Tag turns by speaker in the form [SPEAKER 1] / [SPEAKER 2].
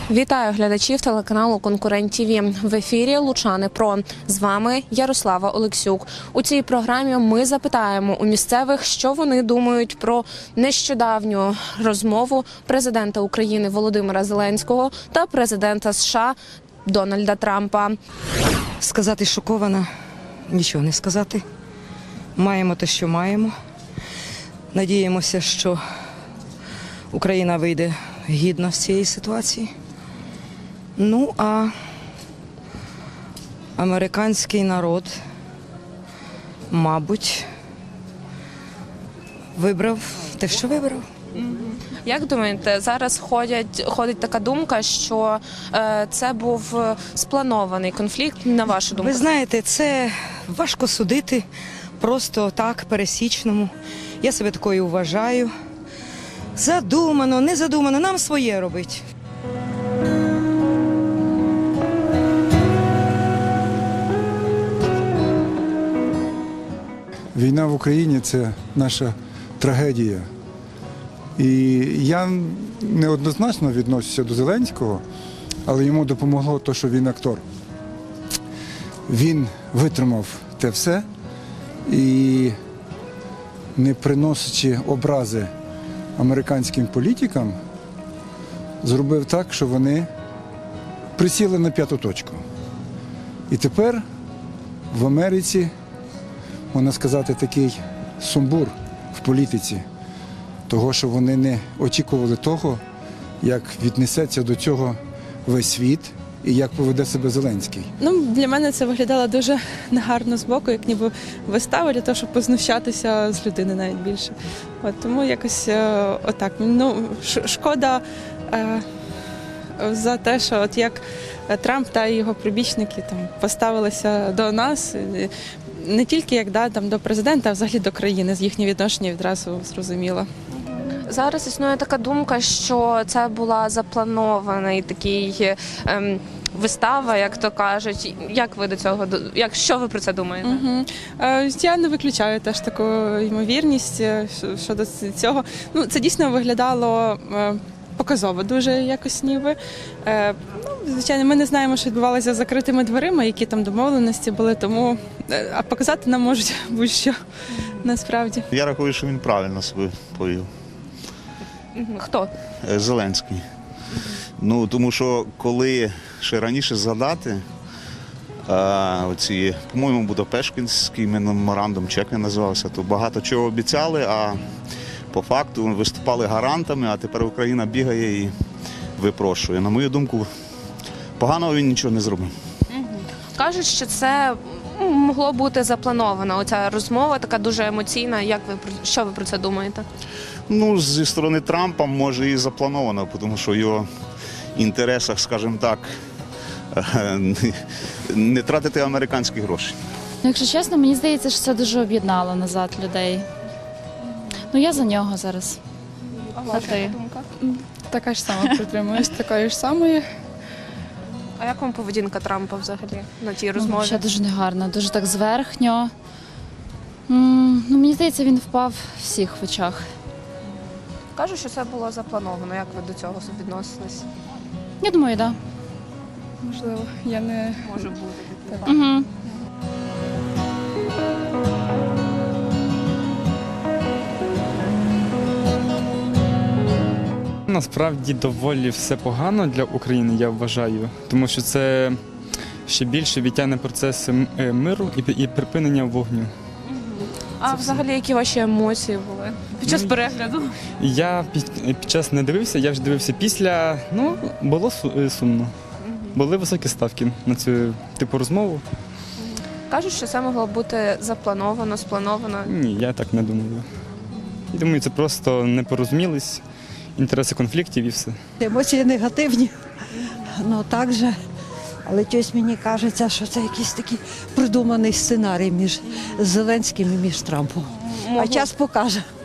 [SPEAKER 1] Вітаю глядачів телеканалу «Конкурент ТВ». В ефірі «Лучани Про». З вами Ярослава Олексюк. У цій програмі ми запитаємо у місцевих, що вони думають про нещодавню розмову президента України Володимира Зеленського та президента США Дональда Трампа.
[SPEAKER 2] Сказати шокована, нічого не сказати. Маємо те, що маємо. Надіємося, що Україна вийде гідно з цієї ситуації. Ну, а американський народ, мабуть, вибрав те, що вибрав.
[SPEAKER 1] Як думаєте, зараз ходить така думка, що це був спланований конфлікт, на вашу думку?
[SPEAKER 2] Ви знаєте, це важко судити просто так, пересічному. Я себе такою вважаю. Задумано, не задумано, нам своє робить.
[SPEAKER 3] Війна в Україні – це наша трагедія. І я неоднозначно відношуся до Зеленського, але йому допомогло те, що він актор. Він витримав те все і, не приносячи образи американським політикам, зробив так, що вони присіли на п'яту точку. І тепер в Америці, можна сказати, такий сумбур в політиці, того, що вони не очікували того, як віднесеться до цього весь світ і як поведе себе Зеленський.
[SPEAKER 4] Для мене це виглядало дуже негарно з боку, як ніби вистава для того, щоб познущатися з людини навіть більше. Тому якось отак. Шкода за те, що як Трамп та його прибічники поставилися до нас, не тільки як до президента, а взагалі до країни, з їхнє відношення відразу зрозуміло.
[SPEAKER 1] Зараз існує така думка, що це була запланована такий вистава, як то кажуть. Як ви до цього, що ви про це думаєте?
[SPEAKER 4] Я не виключаю теж таку ймовірність щодо цього. Це дійсно виглядало показово дуже якось ніби. Звичайно, ми не знаємо, що відбувалося за закритими дверима, які там домовленості були, тому а показати нам можуть будь-що насправді.
[SPEAKER 5] Я рахую, що він правильно себе повів.
[SPEAKER 1] Хто?
[SPEAKER 5] Зеленський. Тому що коли ще раніше згадати, по-моєму, Будапештський меморандум, чи як він називався, то багато чого обіцяли, а по факту виступали гарантами, а тепер Україна бігає і випрошує. На мою думку, поганого він нічого не зробив.
[SPEAKER 1] Кажуть, що це могло бути заплановано. Оця розмова така дуже емоційна. Що ви про це думаєте?
[SPEAKER 5] Зі сторони Трампа, може, і заплановано, тому що в його інтересах, скажімо так, не тратити американські гроші.
[SPEAKER 6] Якщо чесно, мені здається, що це дуже об'єднало назад людей. Я за нього зараз.
[SPEAKER 1] А ваша думка?
[SPEAKER 4] Така ж сама притримуюсь, такої ж самої.
[SPEAKER 1] А як вам поведінка Трампа взагалі на тій розмові?
[SPEAKER 6] Ще дуже негарно, дуже так зверхньо. Мені здається, він впав всіх в очах.
[SPEAKER 1] Кажуть, що це було заплановано. Як ви до цього відносились?
[SPEAKER 6] Я думаю, так.
[SPEAKER 4] Можливо, я не...
[SPEAKER 1] Може бути.
[SPEAKER 6] Угу.
[SPEAKER 7] Насправді доволі все погано для України, я вважаю, тому що це ще більше відтягне процес миру і припинення вогню.
[SPEAKER 1] А взагалі, які ваші емоції були під час перегляду?
[SPEAKER 7] Я під час не дивився, я вже дивився після, було сумно. Були високі ставки на цю типу розмову.
[SPEAKER 1] Кажуть, що це могло бути заплановано, сплановано.
[SPEAKER 7] Ні, я так не думаю. Я думаю, це просто не порозумілись, інтереси конфліктів і все.
[SPEAKER 8] Емоції негативні, так же. Але щось мені кажеться, що це якийсь такий придуманий сценарій між Зеленським і між Трампом. А час покаже.